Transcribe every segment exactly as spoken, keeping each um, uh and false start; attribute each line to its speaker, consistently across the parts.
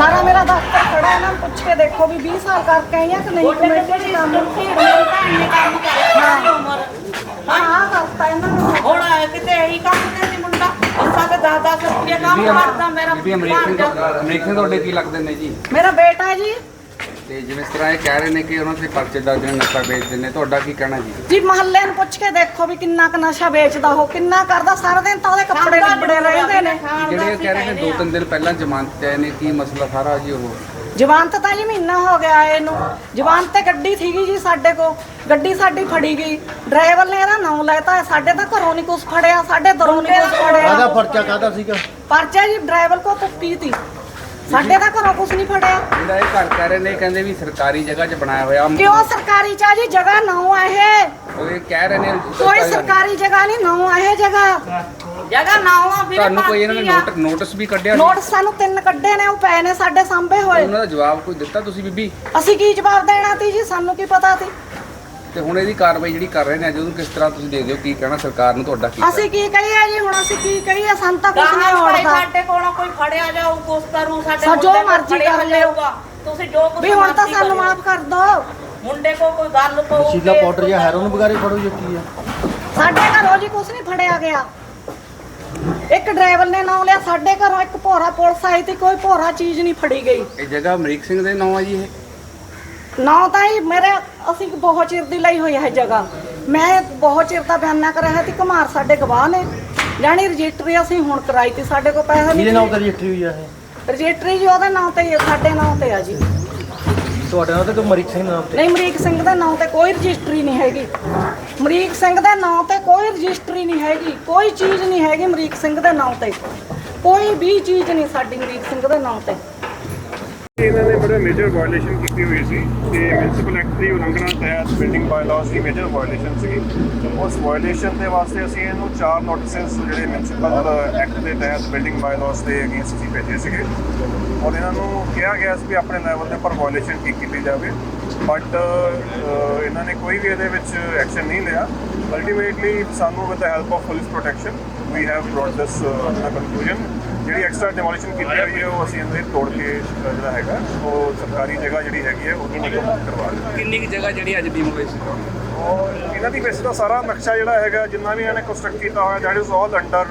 Speaker 1: सारा मेरा दफ्तर खड़ा है ना, पूछ के देखो भी बीस साल करके आई है कि नहीं कमेटी च काम हाँ हाँ करता है ना
Speaker 2: ਹੁਣ ਕਿਤੇ ਇਹੀ ਕੰਮ ਤੇ ਸੀ ਮੁੰਡਾ ਅਸਾਂ ਤੇ ਦਸ ਦਸ ਰੁਪਏ ਕੰਮ ਕਰਦਾ ਮੇਰਾ
Speaker 3: ਬੀਬੀ ਅਮਰੀਕ ਸਿੰਘ ਅਮਰੀਕ ਸਿੰਘ ਤੁਹਾਡੇ ਕੀ ਲੱਗਦੇ ਨੇ ਜੀ?
Speaker 1: मेरा बेटा है जी।
Speaker 3: ਤੇ ਜਿਵੇਂ ਇਸ ਤਰ੍ਹਾਂ ਇਹ ਕਹਿ ਰਹੇ ਨੇ ਕਿ ਉਹਨਾਂ ਦੇ ਪਰਚੇ ਦਰਜ ਨੇ, ਨਸ਼ਾ ਵੇਚਦੇ ਨੇ, ਤੁਹਾਡਾ ਕੀ ਕਹਿਣਾ ਜੀ?
Speaker 1: ਜੀ ਮਹੱਲੇ ਨੂੰ ਪੁੱਛ ਕੇ ਦੇਖੋ ਵੀ ਕਿੰਨਾ ਕ ਨਸ਼ਾ ਵੇਚਦਾ ਉਹ, ਕਿੰਨਾ ਕਰਦਾ, ਸਾਰਾ ਦਿਨ ਤਾਂ ਉਹਦੇ ਕੱਪੜੇ ਲਿਬੜੇ ਰਹਿੰਦੇ ਨੇ।
Speaker 3: ਜਿਹੜੇ ਕਹਿ ਰਹੇ ਨੇ ਦੋ ਤਿੰਨ ਦਿਨ ਪਹਿਲਾਂ ਜ਼ਮਾਨਤ ਤੇ ਆਏ ਨੇ, ਕੀ ਮਸਲਾ ਸਾਰਾ ਜੀ? ਉਹ
Speaker 1: ਜਵਾਨਤ ਤਾਂ ਜੀ ਮਹੀਨਾ ਹੋ ਗਿਆ ਇਹਨੂੰ, ਜਵਾਨਤ ਤੇ ਗੱਡੀ ਸੀਗੀ ਜੀ ਸਾਡੇ ਕੋਲ, ਗੱਡੀ ਸਾਡੀ ਫੜੀ ਗਈ, ਡਰਾਈਵਰ ਨੇ ਇਹਦਾ ਨਾਮ ਲੈਤਾ, ਸਾਡੇ ਤਾਂ ਘਰੋਂ ਨਹੀਂ ਕੁਝ ਫੜਿਆ, ਸਾਡੇ ਦਰੋਂ ਨਹੀਂ ਕੁਝ ਫੜਿਆ।
Speaker 4: ਕਾਹਦਾ ਪਰਚਾ ਕਾਹਦਾ ਸੀਗਾ?
Speaker 1: ਪਰਚਾ ਜੀ ਡਰਾਈਵਰ ਕੋ ਪੁੱਟੀ ਤੀ, ਸਾਡੇ ਤਾਂ ਘਰੋਂ ਕੁਝ ਨਹੀਂ ਫੜਿਆ।
Speaker 3: ਜਿਹੜਾ ਇਹ ਘਰ ਕਹਿ ਰਹੇ ਨੇ, ਕਹਿੰਦੇ ਵੀ ਸਰਕਾਰੀ ਜਗ੍ਹਾ 'ਚ ਬਣਾਇਆ ਹੋਇਆ।
Speaker 1: ਕਿਉਂ ਸਰਕਾਰੀ ਚ ਆ ਜੀ? ਜਗ੍ਹਾ ਨਾਉ ਆ ਇਹ,
Speaker 3: ਉਹ ਇਹ ਕਹਿ ਰਹੇ ਨੇ
Speaker 1: ਕੋਈ ਸਰਕਾਰੀ ਜਗ੍ਹਾ ਨਹੀਂ, ਨਾਉ ਆ ਇਹ ਜਗ੍ਹਾ।
Speaker 2: ਜਗ੍ਹਾ ਨਾ ਆ ਵੀਰੇ
Speaker 3: ਤੁਹਾਨੂੰ ਕੋਈ ਇਹਨਾਂ ਨੇ ਨੋਟ ਨੋਟਿਸ ਵੀ ਕੱਢਿਆ?
Speaker 1: ਨੋਟਿਸ ਸਾਨੂੰ ਤਿੰਨ ਕੱਢੇ ਨੇ, ਉਹ ਪਏ ਨੇ ਸਾਡੇ ਸਾਹਮਣੇ ਹੋਏ।
Speaker 3: ਉਹਨਾਂ ਦਾ ਜਵਾਬ ਕੋਈ ਦਿੱਤਾ ਤੁਸੀਂ ਬੀਬੀ?
Speaker 1: ਅਸੀਂ ਕੀ ਜਵਾਬ ਦੇਣਾ ਤੀ ਜੀ, ਸਾਨੂੰ ਕੀ ਪਤਾ ਤੀ।
Speaker 3: ਤੇ ਹੁਣ ਇਹਦੀ ਕਾਰਵਾਈ ਜਿਹੜੀ ਕਰ ਰਹੇ ਨੇ ਅੱਜ, ਉਹਨੂੰ ਕਿਸ ਤਰ੍ਹਾਂ ਤੁਸੀਂ ਦੇਖਦੇ ਹੋ? ਕੀ ਕਹਿਣਾ ਸਰਕਾਰ ਨੂੰ ਤੁਹਾਡਾ? ਕੀ
Speaker 1: ਅਸੀਂ ਕੀ ਕਹੀਏ ਜੀ, ਹੁਣ ਅਸੀਂ ਕੀ ਕਹੀਏ, ਸਾਨੂੰ ਤਾਂ ਕੁਝ ਨਹੀਂ
Speaker 2: ਭਾਈ
Speaker 1: ਹੋੜਦਾ
Speaker 2: ਸਾਡੇ ਕੋਲੋਂ ਕੋਈ ਫੜਿਆ ਜਾਊ ਕੁਛ ਕਰੂ, ਸਾਡੇ
Speaker 1: ਸਾ ਜੋ
Speaker 2: ਮੁੰਡੇ ਕੋਲ
Speaker 1: ਮਰਜ਼ੀ
Speaker 2: ਫੜਿਆ
Speaker 1: ਕਰ ਲਿਓ।
Speaker 2: ਜਾਊਗਾ। ਤੁਸੀਂ ਜੋ ਕੁਛ
Speaker 1: ਵੀ ਹੁਣ ਤਾਂ
Speaker 2: ਮਰਜ਼ੀ
Speaker 1: ਸਾਨੂੰ
Speaker 2: ਕਰਿਓ।
Speaker 1: ਮਾਫ ਕਰ ਦੋ।
Speaker 2: ਮੁੰਡੇ ਕੋ ਕੋਈ ਗੱਲ ਪਊ
Speaker 4: ਨਸ਼ੀਲਾ ਪਾਊਡਰ ਜਾਂ ਹੈਰੋਨ ਵਗੈਰੇ ਫੜੋ ਜਾਂ ਕੀ ਆ?
Speaker 1: ਸਾਡੇ ਘਰੋਂ ਜੀ ਕੁਝ ਨਹੀਂ ਫੜਿਆ ਗਿਆ। ਇੱਕ ਡਰਾਈਵਰ ਨੇ ਨਾਮ ਲਿਆ, ਸਾਡੇ ਘਰੋਂ ਇੱਕ ਭੋਰਾ ਪੁਲਿਸ ਆਈ ਤੇ ਕੋਈ ਭੋਰਾ ਚੀਜ਼ ਨਹੀਂ ਫੜੀ ਗਈ।
Speaker 3: ਇਹ ਜਗ੍ਹਾ ਅਮਰੀਕ ਸਿੰਘ ਦੇ ਨਾਂ ਆ ਜੀ? ਇਹ
Speaker 1: ਨਾ ਤਾਂ ਹੀ ਮੇਰੇ, ਅਸੀਂ ਬਹੁਤ ਚਿਰ ਦੀ ਲਈ ਹੋਈ ਹੈ ਜਗ੍ਹਾ, ਮੈਂ ਬਹੁਤ ਚਿਰ ਦਾ ਬਿਆਨਾ ਕਰਿਆ ਹੈ ਤੇ ਕੁਮਾਰ ਸਾਡੇ ਗਵਾਹ ਨੇ, ਜਾਣੀ ਰਜਿਸਟਰੀ ਅਸੀਂ ਹੁਣ ਕਰਾਈ ਤੇ ਸਾਡੇ ਕੋਲ ਪੈਸਾ
Speaker 4: ਕਿਹਦੇ
Speaker 1: ਨਹੀਂ।
Speaker 4: ਨਾਮ ਤੇ ਰਜਿਸਟਰੀ ਹੋਈ ਆ ਇਹ?
Speaker 1: ਰਜਿਸਟਰੀ ਜੀ ਉਹਦੇ ਨਾਂ ਤੇ, ਸਾਡੇ ਨਾਂ ਤੇ ਆ ਜੀ।
Speaker 4: ਤੁਹਾਡੇ ਨਾਮ ਤੇ ਕਿ ਅਮਰੀਕ ਸਿੰਘ ਨਾਮ ਤੇ?
Speaker 1: ਨਹੀਂ, ਅਮਰੀਕ ਸਿੰਘ ਦੇ ਨਾਂ ਤੇ ਕੋਈ ਰਜਿਸਟਰੀ ਨਹੀਂ ਹੈਗੀ। ਅਮਰੀਕ ਸਿੰਘ ਦੇ ਨਾਂ ਤੇ ਕੋਈ ਰਜਿਸਟਰੀ ਨਹੀਂ ਹੈਗੀ, ਕੋਈ ਚੀਜ਼ ਨਹੀਂ ਹੈਗੀ ਅਮਰੀਕ ਸਿੰਘ ਦੇ ਨਾਂ ਤੇ, ਕੋਈ ਵੀ ਚੀਜ਼ ਨਹੀਂ ਸਾਡੀ ਅਮਰੀਕ ਸਿੰਘ ਦੇ ਨਾਂ ਤੇ।
Speaker 5: ਇਹਨਾਂ ਨੇ ਬੜੇ ਮੇਜਰ ਵਾਇਓਲੇਸ਼ਨ ਕੀਤੀ ਹੋਈ ਸੀ ਤੇ ਮਿਊਨਿਸਪਲ ਐਕਟ ਦੀ ਉਲੰਘਣਾ ਤਹਿਤ ਬਿਲਡਿੰਗ ਬਾਇਲਾਅਸ ਦੀ ਮੇਜਰ ਵਾਇਓਲੇਸ਼ਨ ਸੀ। ਉਸ ਵਾਇਓਲੇਸ਼ਨ ਦੇ ਵਾਸਤੇ ਅਸੀਂ ਇਹਨੂੰ ਚਾਰ ਨੋਟਿਸਸ ਜਿਹੜੇ ਮਿਊਨਿਸਪਲ ਐਕਟ ਦੇ ਤਹਿਤ ਬਿਲਡਿੰਗ ਬਾਇਲਾਅਸ ਦੇ ਅਗੇਂਸਟ ਅਸੀਂ ਭੇਜੇ ਸੀਗੇ ਔਰ ਇਹਨਾਂ ਨੂੰ ਕਿਹਾ ਗਿਆ ਸੀ ਵੀ ਆਪਣੇ ਲੈਵਲ ਦੇ ਉੱਪਰ ਵਾਇਓਲੇਸ਼ਨ ਠੀਕ ਕੀਤੀ ਜਾਵੇ, ਬਟ ਇਹਨਾਂ ਨੇ ਕੋਈ ਵੀ ਇਹਦੇ ਵਿੱਚ ਐਕਸ਼ਨ ਨਹੀਂ ਲਿਆ। ਅਲਟੀਮੇਟਲੀ ਸਾਨੂੰ with the help of police protection we have brought this conclusion. ਜਿਹੜੀ ਐਕਸਟਰਾ ਡਿਮੋਲੀਸ਼ਨ ਕੀਤੀ ਹੋਈ ਹੈ ਉਹ ਅਸੀਂ ਇਹਦੇ ਤੋੜ ਕੇ ਜਿਹੜਾ ਹੈਗਾ ਉਹ ਸਰਕਾਰੀ ਜਗ੍ਹਾ ਜਿਹੜੀ ਹੈਗੀ ਹੈ ਉਹਨੂੰ ਨਿਕਲ ਕਰਵਾ ਦਿੱਤੀ।
Speaker 3: ਕਿੰਨੀ ਕੁ ਜਗ੍ਹਾ ਜਿਹੜੀ ਅੱਜ ਡਿਮੋਲਿਸ਼ਨ?
Speaker 5: ਔਰ ਇਹਨਾਂ ਦੀ ਵੈਸੇ ਤਾਂ ਸਾਰਾ ਨਕਸ਼ਾ ਜਿਹੜਾ ਹੈਗਾ ਜਿੰਨਾ ਵੀ ਇਹਨਾਂ ਨੇ ਕੰਸਟਰਕਟ ਕੀਤਾ ਹੋਇਆ that is all under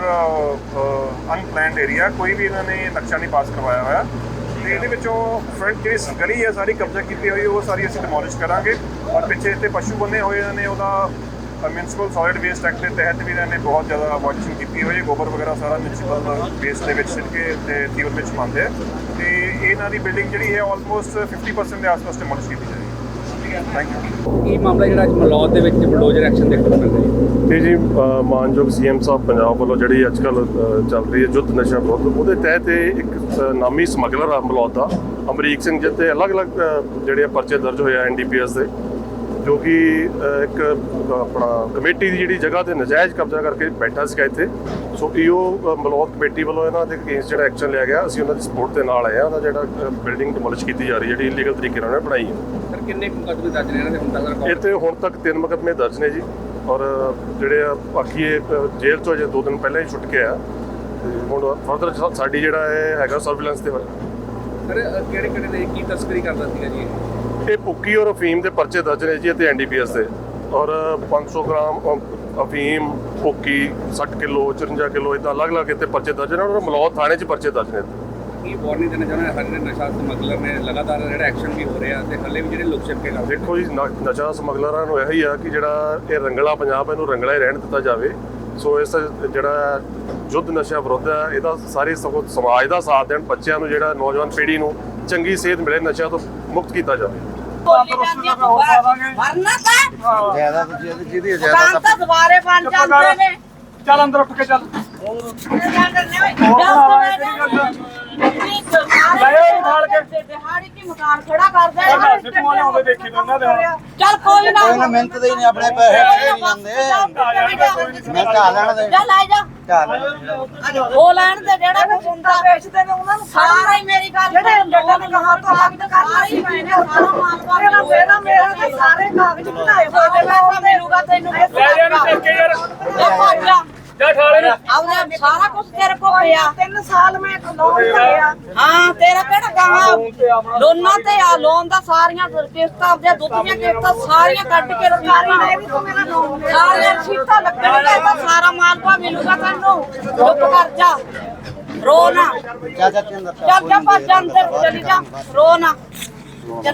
Speaker 5: unplanned area, ਕੋਈ ਵੀ ਇਹਨਾਂ ਨੇ ਨਕਸ਼ਾ ਨਹੀਂ ਪਾਸ ਕਰਵਾਇਆ ਹੋਇਆ। ਤੇ ਇਹਦੇ ਵਿੱਚੋਂ ਫਰੰਟ ਜਿਹੜੀ ਗਲੀ ਹੈ ਸਾਰੀ ਕਬਜ਼ਾ ਕੀਤੀ ਹੋਈ ਉਹ ਸਾਰੀ ਅਸੀਂ ਡਿਮੋਲਿਸ਼ ਕਰਾਂਗੇ। ਔਰ ਪਿੱਛੇ ਇੱਥੇ ਪਸ਼ੂ ਬੰਨੇ ਹੋਏ ਇਹਨਾਂ ਨੇ, ਉਹਦਾ ਮਿਊਨਿਸਪਲ ਸੋਲਿਡ ਵੇਸਟ ਐਕਟ ਦੇ ਤਹਿਤ ਵੀ ਇਹਨਾਂ ਨੇ ਬਹੁਤ ਜ਼ਿਆਦਾ ਵਾਚਿੰਗ ਕੀਤੀ ਹੋਈ ਹੈ। ਗੋਬਰ ਵਗੈਰਾ ਸਾਰਾ ਮਿਊਨਿਸਪਲ ਵੇਸਟ ਦੇ ਵਿੱਚ ਸਿੱਟ ਕੇ ਤੇ ਤੀਵਰ ਵਿੱਚ ਪਾਉਂਦੇ ਆ ਤੇ ਇਹਨਾਂ ਦੀ ਬਿਲਡਿੰਗ ਜਿਹੜੀ ਹੈ ਆਲਮੋਸਟ ਫਿਫਟੀ ਪਰਸੈਂਟ ਦੇ ਆਸ-ਪਾਸ ਡਿਮੋਲਿਸ਼ ਕੀਤੀ ਜਾਏਗੀ। Thank you.
Speaker 3: ਕੀ ਮਾਮਲਾ ਜਿਹੜਾ ਅੱਜ ਮਲੌਦ ਦੇ ਵਿੱਚ ਬਲਡੋਜ਼ਰ ਐਕਸ਼ਨ ਦੇਖਣ ਨੂੰ ਮਿਲ ਰਿਹਾ
Speaker 6: ਤੇ ਜੀ ਅ, ਮਾਨਯੋਗ ਸੀਐਮ ਸਾਹਿਬ ਪੰਜਾਬ ਵੱਲੋਂ ਜਿਹੜੀ ਅੱਜ ਕੱਲ੍ਹ ਚੱਲ ਰਹੀ ਹੈ ਜੁੱਧ ਨਸ਼ਾ ਵਿਰੁੱਧ, ਉਹਦੇ ਤਹਿਤ ਇਹ ਇੱਕ ਅ, ਨਾਮੀ ਸਮਗਲਰ ਆ ਮਲੌਦ ਦਾ ਅਮਰੀਕ ਸਿੰਘ ਜਿਹ 'ਤੇ ਅਲੱਗ-ਅਲੱਗ ਅ, ਜਿਹੜੇ ਆ ਪਰਚੇ ਦਰਜ ਹੋਏ ਆ ਐਨ ਡੀ ਪੀ ਐਸ ਦੇ, ਜੋ ਕਿ ਅ, ਇੱਕ ਅ, ਆਪਣਾ ਕਮੇਟੀ ਦੀ ਜਿਹੜੀ ਜਗ੍ਹਾ ਤੇ ਨਜਾਇਜ਼ ਕਬਜ਼ਾ ਕਰਕੇ ਬੈਠਾ ਸੀਗਾ ਇੱਥੇ। ਸੋ ਈਓ ਮਲੌਦ ਕਮੇਟੀ ਵੱਲੋਂ ਇਹਨਾਂ ਦੇ ਅਗੇਂਸਟ ਜਿਹੜਾ ਐਕਸ਼ਨ ਲਿਆ ਗਿਆ, ਅਸੀਂ ਉਹਨਾਂ ਦੀ ਸਪੋਰਟ ਦੇ ਨਾਲ ਆਏ ਆ। ਉਹਦਾ ਜਿਹੜਾ ਬਿਲਡਿੰਗ ਡਿਮੋਲਿਸ਼ ਕੀਤੀ ਜਾ ਰਹੀ ਜਿਹੜੀ ਇਲੀਗਲ ਤਰੀਕੇ ਨਾਲ ਉਹਨੇ ਬਣਾਈ ਹੈ।
Speaker 3: ਸਰ ਕਿੰਨੇ ਮੁਕੱਦਮੇ ਦਰਜ ਨੇ ਇਹਨਾਂ ਦੇ ਹੁਣ ਤੱਕ?
Speaker 6: ਇਹ 'ਤੇ ਹੁਣ ਤੱਕ ਤਿੰਨ ਮੁਕੱਦਮੇ ਦਰਜ ਨੇ ਜੀ, ਔਰ ਜਿਹੜੇ ਆ ਬਾਕੀ ਇਹ ਜੇਲ੍ਹ ਤੋਂ ਅਜੇ ਦੋ ਦਿਨ ਪਹਿਲਾਂ ਹੀ ਛੁੱਟ ਕੇ ਆ ਤੇ ਹੁਣ ਫਰਦਰ ਸਾਡੀ ਜਿਹੜਾ ਇਹ ਹੈਗਾ ਸਰਵੇਲੈਂਸ ਤੇ ਹੋਇਆ।
Speaker 3: ਸਰ ਕਿਹੜੇ ਕਿਹੜੇ ਦੇ ਕੀ ਤਸਕਰੀ ਕਰਦਾ ਸੀਗਾ ਜੀ?
Speaker 6: ਇਹ ਭੁੱਕੀ ਔਰ ਅਫੀਮ ਦੇ ਪਰਚੇ ਦਰਜ ਨੇ ਜੀ ਅਤੇ ਐਨ ਡੀ ਪੀ ਐਸ ਦੇ, ਔਰ ਪੰਜ ਸੌ ਗ੍ਰਾਮ ਅ- ਅਫੀਮ, ਭੁੱਕੀ, ਸੱਠ ਕਿਲੋ, ਚੁਰੰਜਾ ਕਿਲੋ ਇੱਦਾਂ ਅਲੱਗ-ਅਲੱਗ ਇੱਥੇ ਪਰਚੇ ਦਰਜ ਨੇ ਔਰ ਮਲੌਦ ਥਾਣੇ 'ਚ ਪਰਚੇ ਦਰਜ ਨੇ।
Speaker 3: ਕੀ ਵਾਰਨਿੰਗ ਦੇਣਾ ਚਾਹੁੰਦੇ ਹਰ ਨਸ਼ਾ ਸਮਗਲਰ ਨੇ ਲਗਾਤਾਰ ਜਿਹੜਾ ਐਕਸ਼ਨ ਵੀ ਹੋ ਰਿਹਾ ਤੇ ਹੱਲੇ ਵੀ ਜਿਹੜੇ ਲੁਕ ਛਿਪ ਕੇ ਕਰਦੇ?
Speaker 6: ਦੇਖੋ ਜੀ ਨ- ਨਸ਼ਾ ਸਮਗਲਰਾਂ ਨੂੰ ਇਹੀ ਆ ਕਿ ਜਿਹੜਾ ਇਹ ਰੰਗਲਾ ਪੰਜਾਬ ਇਹਨੂੰ ਰੰਗਲਾ ਹੀ ਰਹਿਣ ਦਿੱਤਾ ਜਾਵੇ। ਸੋ ਇਸ ਜਿਹੜਾ ਯੁੱਧ ਨਸ਼ਾ ਵਿਰੁੱਧ ਹੈ ਇਹਦਾ ਸਾਰੇ ਸਗੋਂ ਸਮਾਜ ਦਾ ਸਾਥ ਦੇਣ, ਬੱਚਿਆਂ ਨੂੰ ਜਿਹੜਾ ਨੌਜਵਾਨ ਪੀੜ੍ਹੀ ਨੂੰ ਚੰਗੀ ਸਿਹਤ ਮਿਲੇ, ਨਸ਼ਿਆਂ ਤੋਂ ਮੁਕਤ ਕੀਤਾ ਜਾਵੇ।
Speaker 2: ਵਰਨਾ ਤਾਂ
Speaker 4: ਜ਼ਿਆਦਾ ਤੁਸੀਂ ਇਹਦੀ ਜਿਹਦੀ
Speaker 2: ਦੁਕਾਨ ਤਾਂ ਦੁਬਾਰੇ ਬਣ ਜਾਂਦੇ ਨੇ।
Speaker 5: ਚੱਲ ਅੰਦਰ ਉੱਠ ਕੇ ਚੱਲ।
Speaker 2: ਦਿਹਾੜੀ ਕੀ ਮਕਾਨ ਖੜਾ ਕਰਦੇ ਚੱਲ ਕੋਈ ਨਾ
Speaker 4: ਕੋਈ ਨਾ ਮਿਹਨਤ ਦੇ ਹੀ ਨਹੀਂ ਆਪਣੇ ਪੈਸੇ ਨਹੀਂ ਜਾਂਦੇ। ਮੈਂ ਢਾ ਲੈਣ ਦੇ
Speaker 2: ਚੱਲ ਆ ਜਾ
Speaker 4: ਢਾ ਲੈਣ
Speaker 2: ਉਹ ਲੈਣ ਦੇ ਜਿਹੜਾ ਕੁਝ ਹੁੰਦਾ ਵੇਚਦੇ ਨੇ ਉਹਨਾਂ ਨੂੰ ਸਾਰਾ ਹੀ ਮੇਰੀ ਗੱਲ ਜਿਹੜੇ ਲੋਕਾਂ ਨੇ ਕਹਾ ਤੋਂ ਹੱਕ ਕਰਨਾ ਹੀ ਮੈਨੇ ਸਾਰਾ ਮਾਲ ਵਾਲਾ ਮੇਰਾ ਮੇਰਾ ਤੇ ਸਾਰੇ ਕਾਗਜ਼ ਬਣਾਏ ਹੋਏ ਨੇ ਉਹ ਮਿਲੂਗਾ ਤੈਨੂੰ ਲੈ ਜਾ ਨੂੰ ਟੇਕ ਕੇ ਯਾਰ
Speaker 5: ਜਾ ਠਾਲੇ ਨੂੰ
Speaker 2: ਆਉਣਾ ਸਾਰਾ ਕੁਝ ਤੇਰੇ ਕੋਲ ਪਿਆ
Speaker 1: ਤਿੰਨ ਸਾਲ ਮੈਂ ਲੋਨ ਲਿਆ।
Speaker 2: ਹਾਂ ਤੇਰਾ ਕਿਹੜਾ ਕਹਾ ਲੋਨਾਂ ਤੇ ਆ ਲੋਨ ਦਾ ਸਾਰੀਆਂ ਕਿਸ਼ਤਾਂ ਆਪਦੇ ਦੁੱਧ ਦੀਆਂ ਕਿਸ਼ਤਾਂ ਸਾਰੀਆਂ ਕੱਢ ਕੇ ਸਰਕਾਰੀ ਨੇ ਵੀ ਤੂੰ ਮੇਰਾ ਲੋਨ ਸਾਰੀਆਂ ਰਸੀਦਾਂ ਲੱਗਣਗੀਆਂ ਤਾਂ ਸਾਰਾ ਮਾਲਪਾ ਮਿਲੂਗਾ ਤੈਨੂੰ ਚੁੱਪ ਕਰ ਜਾ ਰੋ ਨਾ
Speaker 4: ਚਾਚਾ ਕੇ ਅੰਦਰ
Speaker 2: ਚੱਲ ਜਾ ਭੱਜ ਜਾ ਅੰਦਰ ਚਲੀ ਜਾ ਰੋ ਨਾ